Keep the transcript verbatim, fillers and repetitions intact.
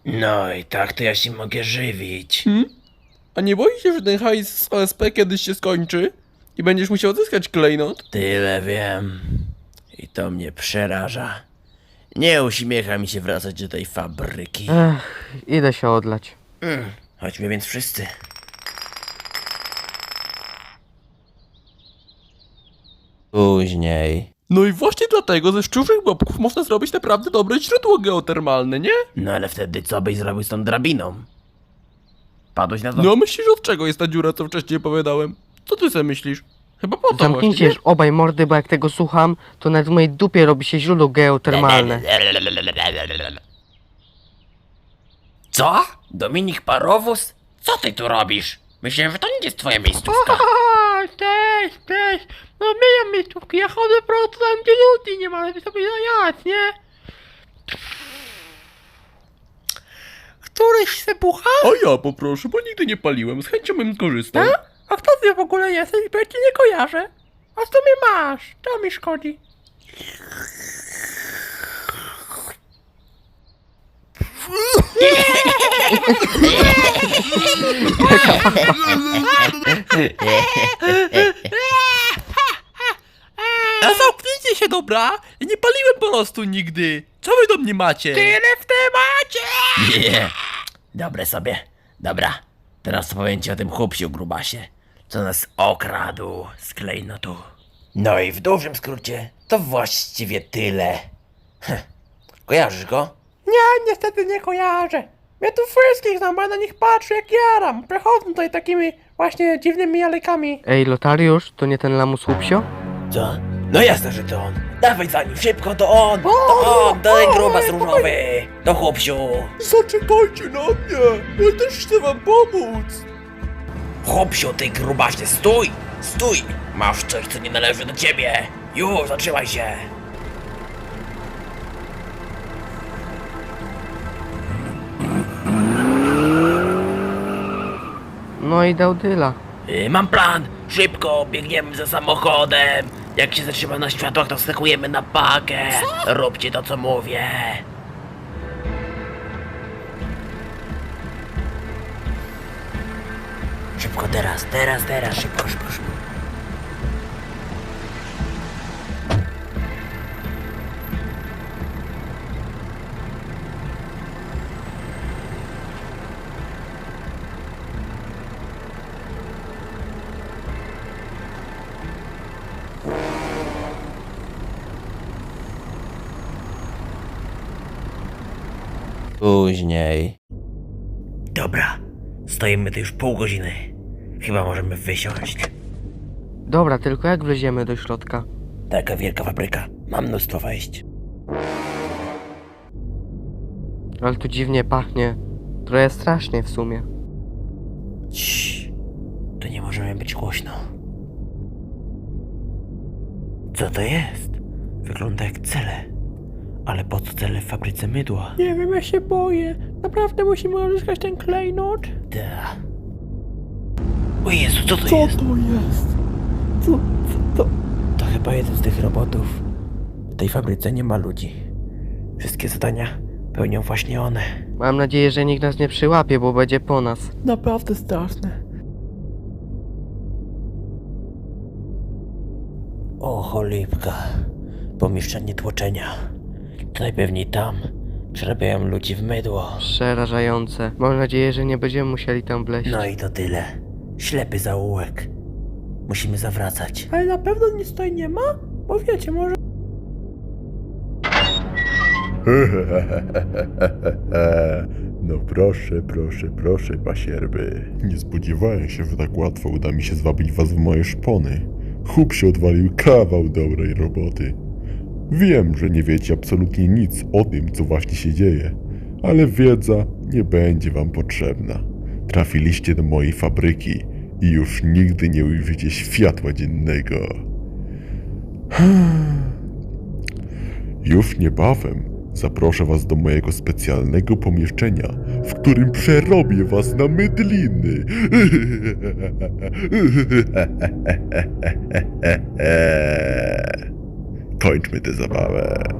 No i tak to ja się mogę żywić. Hmm? A nie boisz się, że ten hajs z O S P kiedyś się skończy? I będziesz musiał odzyskać klejnot? Tyle wiem. I to mnie przeraża. Nie uśmiecha mi się wracać do tej fabryki. Ech, idę się odlać. Mm, chodźmy więc wszyscy. Później. No i właśnie dlatego ze szczurzych bobków można zrobić naprawdę dobre źródło geotermalne, nie? No ale wtedy co byś zrobił z tą drabiną? Padłeś na to? No myślisz, od czego jest ta dziura, co wcześniej opowiadałem? Co ty sobie myślisz? Chyba po to Zamknijcie właśnie, już obaj mordy, bo jak tego słucham, to nawet w mojej dupie robi się źródło geotermalne. Co? Dominik Parowóz? Co ty tu robisz? Myślałem, że to nie jest twoja miejscówka. O, cześć, cześć. No myję miejscówki, ja chodzę po prostu tam, gdzie ludzi nie ma, żeby sobie zajać, nie? Któryś se pucha? A ja poproszę, bo nigdy nie paliłem, z chęcią bym skorzystał. A kto ty w ogóle jesteś, bo ja cię nie kojarzę? A co mnie masz? To mi szkodzi. A zamknijcie się, dobra? Ja nie paliłem po prostu nigdy. Co wy do mnie macie? Tyle w temacie! Nie. Dobre sobie. Dobra. Teraz opowiem ci o tym chłopsiu grubasie, co nas okradł z klejnotu. No i w dużym skrócie to właściwie tyle. Heh. Kojarzysz go? Nie, niestety nie kojarzę. Ja tu wszystkich znam, bo ja na nich patrzę jak jaram. Przechodzą tutaj takimi właśnie dziwnymi alejkami. Ej, Lotariusz, to nie ten lamus łupsio? Co? No jasne, że to on. Dawaj za nim, szybko, to on! To on, to ten grubas różowy! To chłopsiu! Zaczekajcie na mnie! Ja też chcę wam pomóc! Chłopsiu, ty grubasie, stój! Stój! Masz coś, co nie należy do ciebie! Już, zatrzymaj się! No i dał dyla. Yy, mam plan! Szybko, biegniemy za samochodem! Jak się zatrzyma na światłach, to skakujemy na pakę! Róbcie to, co mówię! Szybko teraz, teraz, teraz, szybko, szybko, szybko. Później. Dobra, stoimy tu już pół godziny. Chyba możemy wysiąść. Dobra, tylko jak wleziemy do środka? Taka wielka fabryka, ma mnóstwo wejść. Ale tu dziwnie pachnie. Trochę strasznie w sumie. Ciii, to nie możemy być głośno. Co to jest? Wygląda jak cele. Ale po co cele w fabryce mydła? Nie wiem, ja się boję. Naprawdę musimy odzyskać ten klejnot? Da. O Jezu, co to Co jest? to jest? Co, co to? To chyba jeden z tych robotów. W tej fabryce nie ma ludzi. Wszystkie zadania pełnią właśnie one. Mam nadzieję, że nikt nas nie przyłapie, bo będzie po nas. Naprawdę straszne. O cholipka. Pomieszczenie tłoczenia. To najpewniej tam przerabiają ludzi w mydło. Przerażające. Mam nadzieję, że nie będziemy musieli tam wleźć. No i to tyle. Ślepy zaułek. Musimy zawracać. Ale na pewno nic tutaj nie ma? Bo wiecie, może... No proszę, proszę, proszę, pasierby. Nie spodziewałem się, że tak łatwo uda mi się zwabić was w moje szpony. Chłop się odwalił kawał dobrej roboty. Wiem, że nie wiecie absolutnie nic o tym, co właśnie się dzieje, ale wiedza nie będzie wam potrzebna. Trafiliście do mojej fabryki i już nigdy nie ujrzycie światła dziennego. Już niebawem zaproszę was do mojego specjalnego pomieszczenia, w którym przerobię was na mydliny. Kończmy tę zabawę.